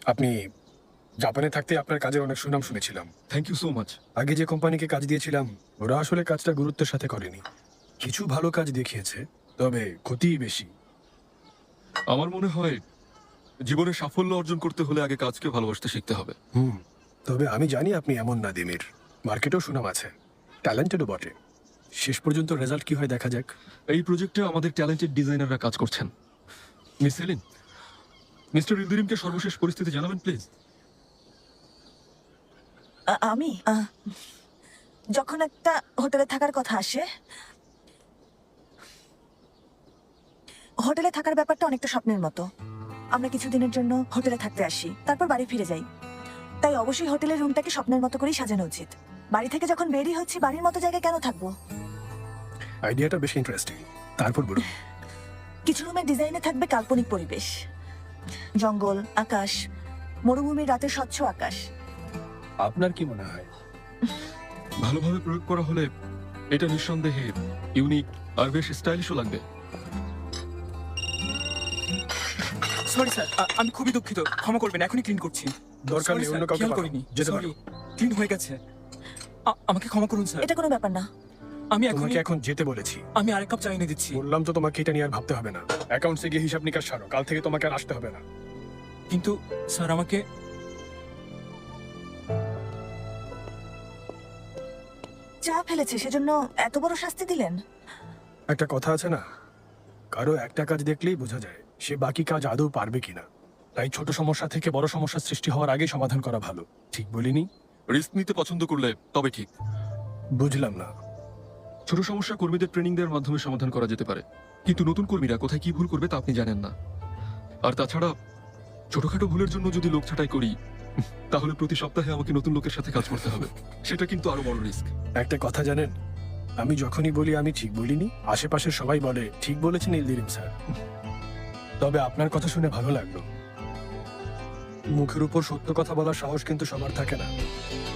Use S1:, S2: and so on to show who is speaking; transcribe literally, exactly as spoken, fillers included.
S1: আপনি জাপানে থাকতে আপনার কাজের অনেক সুনাম শুনেছিলাম।
S2: Thank you so much.
S1: আগে যে কোম্পানিকে কাজ দিয়েছিলাম ওরা আসলে কাজটা গুরুত্বের সাথে করেনি। কিছু ভালো কাজ দেখিয়েছে, তবে ক্ষতিই বেশি।
S2: আমার মনে হয় জীবনে সাফল্য অর্জন করতে হলে আগে কাজকে ভালোবাসতে শিখতে হবে।
S1: হুম, তবে আমি জানি আপনি এমন না দিমির। মার্কেটেও সুনাম আছে, ট্যালেন্টেডও বটে। শেষ পর্যন্ত রেজাল্ট কি হয় দেখা যাক।
S2: এই প্রজেক্টে আমাদের ট্যালেন্টেড ডিজাইনাররা কাজ করছেন। মিস সেলিন, মিস্টার ইলদিরিমকে সর্বশেষ পরিস্থিতি জানাবেন প্লিজ।
S3: আ- আমি আহ, যখন একটা হোটেলে থাকার কথা আসে, হোটেলে থাকার ব্যাপারটা অনেকটা স্বপ্নের মতো। আমরা কিছুদিনের জন্য হোটেলে থাকতে আসি, তারপর বাড়ি ফিরে যাই। তাই অবশ্যই হোটেলের রুমটাকে স্বপ্নের মতো করেই সাজানো উচিত। বাড়ি থেকে যখন বেরিয়ে হচ্ছি, বাড়ির মতো জায়গায় কেন থাকবো?
S1: আইডিয়াটা বেশ ইন্টারেস্টিং। তারপর বলুন।
S3: কিছু রুমের ডিজাইনে থাকবে কাল্পনিক পরিবেশ, জঙ্গল, আকাশ, মরুভূমির রাতে স্বচ্ছ আকাশ।
S1: আপনার কি মনে হয়?
S2: ভালোভাবে প্রয়োগ করা হলে এটা নিঃসন্দেহে ইউনিক আর বেশ স্টাইলিশও লাগবে।
S4: সরি স্যার, আমি খুবই দুঃখিত, ক্ষমা করবেন, এখনই ক্লিন করছি।
S1: দরকার নেই,
S4: Sorry,
S1: অন্য
S4: sir,
S1: কাউকে
S4: খেয়াল
S1: পাঠাও।
S4: করিনি।
S1: যেতে
S4: Sorry,
S1: পারো।
S4: ক্লিন হয়ে গেছে। আ- আমাকে ক্ষমা করুন স্যার।
S3: এটা কোনো ব্যাপার না।
S4: আমি এখন
S1: তোমাকে এখন যেতে বলেছি।
S4: আমি আরেক কাপ চা এনে দিচ্ছি।
S1: বললাম তো তোমাকে এটা নিয়ে আর ভাবতে হবে না। অ্যাকাউন্টসে গিয়ে হিসাব নিকাশ সারো, কাল থেকে তোমাকে আর আসতে হবে না।
S4: কিন্তু স্যার আমাকে
S3: চা ফেলেছে সেজন্য এত বড় শাস্তি দিলেন?
S1: একটা কথা আছে না, কারো একটা কাজ দেখলেই বোঝা যায় সে বাকি কাজ আদৌ পারবে কিনা। তাই ছোট সমস্যা থেকে বড় সমস্যার সৃষ্টি হওয়ার আগেই সমাধান করা ভালো। ঠিক বলিনি?
S2: রিস্ক নিতে পছন্দ করলে তবে ঠিক।
S1: বুঝলাম না।
S2: ছোট সমস্যা কর্মীদের ট্রেনিং দেওয়ার মাধ্যমে সমাধান করা যেতে পারে, কিন্তু নতুন কর্মীরা কোথায় কি ভুল করবে তা আপনি জানেন না। আর তাছাড়া ছোটখাটো ভুলের জন্য যদি লোক ছাঁটাই করি, তাহলে প্রতি সপ্তাহে আমাকে নতুন লোকের সাথে কাজ করতে হবে। সেটা কিন্তু আরো বড় রিস্ক।
S1: একটা কথা জানেন, আমি যখনই বলি আমি ঠিক বলিনি, আশেপাশের সবাই বলে ঠিক বলেছেন ইলদিরিম স্যার। তবে আপনার কথা শুনে ভালো লাগলো। মুখের উপর সত্য কথা বলার সাহস কিন্তু সবার থাকে না।